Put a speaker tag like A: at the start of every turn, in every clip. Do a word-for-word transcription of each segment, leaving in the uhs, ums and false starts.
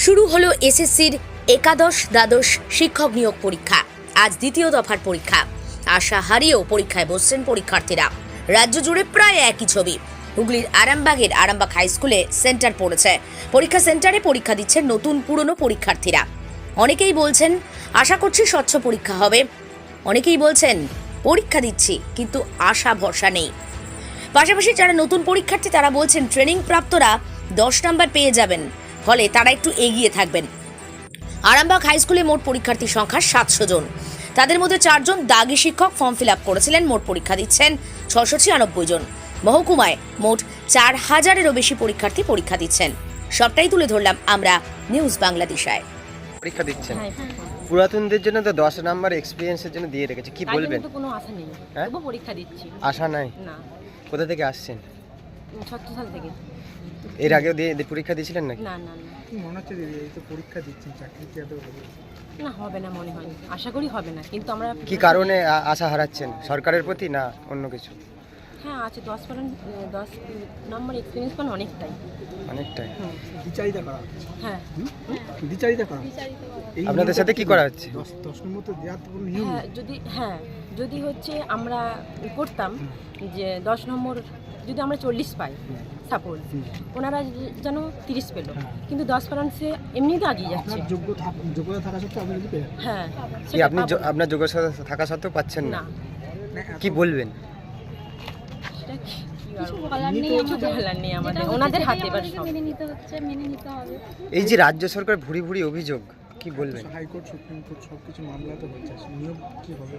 A: শুরু হলো এসএসসির একাদশ দ্বাদশ শিক্ষক নিয়োগ পরীক্ষা। আজ দ্বিতীয় দফার পরীক্ষা। আশা হারিয়েও পরীক্ষায় বসছেন পরীক্ষার্থীরা। রাজ্য জুড়ে প্রায় একই ছবি। হুগলির আরামবাগের আরামবাগ হাই স্কুলে সেন্টার পড়েছে। পরীক্ষা সেন্টারে পরীক্ষা দিচ্ছেন নতুন পুরনো পরীক্ষার্থীরা। অনেকেই বলছেন আশা করছি স্বচ্ছ পরীক্ষা হবে, অনেকেই বলছেন পরীক্ষা দিচ্ছি কিন্তু আশা ভরসা নেই। পাশাপাশি যারা নতুন পরীক্ষার্থী তারা বলছেন ট্রেনিং প্রাপ্তরা দশ নাম্বার পেয়ে যাবেন, ফলে তারা একটু এগিয়ে থাকবেন। আরামবাগ হাই স্কুলে মোট পরীক্ষার্থীর সংখ্যা সাতশো জন। তাদের মধ্যে চারজন দাগি শিক্ষক ফর্ম ফিল আপ করেছিলেন। মোট পরীক্ষা দিচ্ছেন ছশো ছিয়ানব্বই জন। মহকুমায় মোট চার হাজারেরও বেশি পরীক্ষার্থী পরীক্ষা দিচ্ছেন। সবটাই তুলে ধরলাম আমরা নিউজ বাংলাদেশায়।
B: পরীক্ষা দিচ্ছেন পুরাতনদের জন্য তো দশ নাম্বার এক্সপিরিয়েন্সের জন্য দিয়ে রেখেছে, কি বলবেন?
C: তো কোনো আশা নেই,
B: হ্যাঁ?
C: তবু পরীক্ষা দিচ্ছি।
B: আশা নাই?
C: না।
B: কোথা থেকে আসছেন?
C: ছত্র সাল থেকে।
B: এর আগেও দিয়ে পরীক্ষা দিয়েছিলেন নাকি?
C: না না না।
D: কি মনে হচ্ছে দিদি, এই তো পরীক্ষা দিচ্ছেন, চাকরি কি আদৌ হবে?
C: না, হবে না মনে হয়, আশা করি হবে না, কিন্তু আমরা
B: কি কারণে আ- আশা হারাচ্ছেন? সরকারের প্রতি না অন্য কিছু?
C: হ্যাঁ আছে, দশ পারেন দশ নম্বর এক্সপিরিয়েন্স পান অনেকটাই
B: অনেকটাই।
C: হুম,
D: দ্বিচারিতা করা হচ্ছে।
C: হ্যাঁ
D: দ্বিচারিতা করা হচ্ছে। এই
B: আপনাদের
D: নিয়মটা
B: সাথে কি করা হচ্ছে?
D: দশ দশ নম্বর তো দেওয়ার তো কোনো নিয়ম
C: হ্যাঁ
D: নেই।
C: যদি হ্যাঁ যদি হচ্ছে আমরা করতাম যে দশ নম্বর যদি আমরা চল্লিশ পাই সাপোজ, ওনারা যেন তিরিশ পেল, কিন্তু দশ পারেন্টসে এমনিতে আগিয়ে যাচ্ছে।
D: আপনার যোগ্য থাক- যোগ্যতা থাকা সত্ত্বেও আপনি যদি পেয়ে যান।
C: হ্যাঁ
B: কি
C: সেটা
B: আপনি য-
C: পাবো।
B: আপনার যোগ্যতা থাকা সত্ত্বেও পাচ্ছেন না?
C: না,
D: না, এত-
B: কি বলবেন?
C: সেটা কি কি আর
E: কিছু
C: বলবো?
E: বলার নেই,
C: কিছু
E: আমাদের
C: বলার নেই আমাদের,
E: যেটা
C: ওনাদের
E: হচ্ছে
C: হাতে
E: সেটাই
C: এবার
E: আমাদেরকে
C: সব।
E: মেনে নিতে হচ্ছে, মেনে নিতে হবে।
B: এই যে রাজ্য সরকার ভুরি ভুরি অভিযোগ, কি বলবেন?
D: হাইকোর্ট, সুপ্রিম কোর্ট সব কিছু মামলা তো হচ্ছে, নিয়ম কি হবে?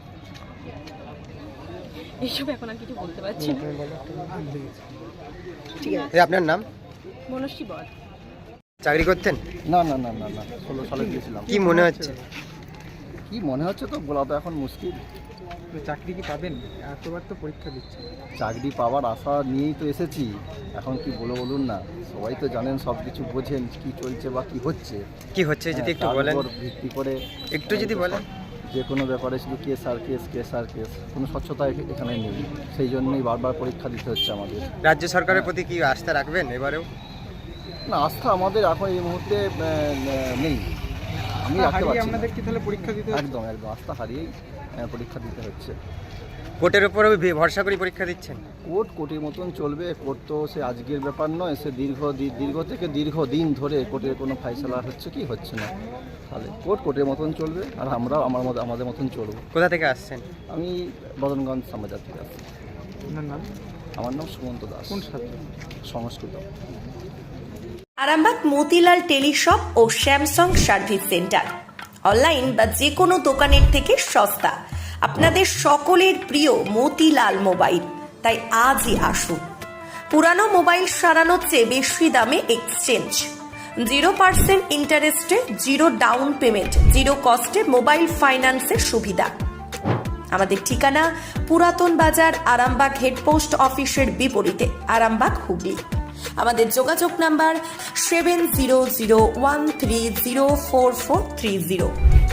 C: এইসব এখন আর কিছু বলতে পারছি না।
D: আর দেখেছি।
B: এই আপনার নাম?
C: মনস্বী বল।
B: চাকরি করতেন?
F: না না না না না ষোলো সালে গিয়েছিলাম।
B: কি মনে হচ্ছে?
F: কি মনে হচ্ছে তো বলা তো এখন মুশকিল।
D: তো চাকরি কি পাবেন? এতবার তো পরীক্ষা দিচ্ছেন।
F: চাকরি পাওয়ার আশা নিয়েই তো এসেছি, এখন কি বলো বলুন না। সবাই তো জানেন, সব কিছু বোঝেন কি চলছে বা কি হচ্ছে।
B: কি হচ্ছে যদি একটু
F: তার
B: বলেন?
F: উপর ভিত্তি করে
B: একটু যদি বলেন।
F: যে কোনো ব্যাপারে শুধু কেস আর কেস কেস আর কেস, কোনো স্বচ্ছতা এখ- এখানে নেই। সেই জন্যই বারবার পরীক্ষা দিতে হচ্ছে আমাদের।
B: রাজ্য সরকারের প্রতি কি আস্থা রাখবেন এবারেও?
F: না, আস্থা আমাদের এখন এই মুহূর্তে আহ, নেই, আমি রাখতে
D: হারিয়ে
F: পারছি না।
D: আপনাদের কি তাহলে পরীক্ষা দিতে হচ্ছে?
F: একদম একদম আস্থা হারিয়েই আহ, পরীক্ষা দিতে হচ্ছে।
B: কোর্টের উপরেও ভে- ভরসা করে পরীক্ষা দিচ্ছেন?
F: কোর্ট কোর্টের মতন চলবে। কোর্ট তো সে আজকের ব্যাপার নয়, সে দীর্ঘ দি- দীর্ঘ থেকে দীর্ঘ দিন ধরে কোর্টের কোনো ফাইসলা হচ্ছে কি হচ্ছে না। তাহলে কোর্ট কোর্টের মতন চলবে, আর আমরাও আমার মতো আমাদের মতন চলবো।
B: কোথা থেকে আসছেন?
F: আমি বদনগঞ্জ সমাজার থেকে আসছি।
D: আপনার নাম?
F: আমার নাম সুমন্ত দাস।
D: কোন ছাত্র?
F: সংস্কৃত।
G: আরামবাগ মতিলাল টেলিশপ ও স্যামসাং সার্ভিস সেন্টার অনলাইন বা যে কোনো দোকানের থেকে সস্তা। আপনাদের সকলের প্রিয় মতিলাল মোবাইল, তাই আজই আসুন। পুরানো মোবাইল সারানোর চেয়ে বেশি দামে এক্সচেঞ্জ, জিরো পার্সেন্ট ইন্টারেস্টে জিরো ডাউন পেমেন্ট, জিরো কস্টে মোবাইল ফাইন্যান্সের সুবিধা। আমাদের ঠিকানা পুরাতন বাজার, আরামবাগ হেডপোস্ট অফিসের বিপরীতে, আরামবাগ হুগলি। আমাদের যোগাযোগ number seven zero zero one three zero four four three zero.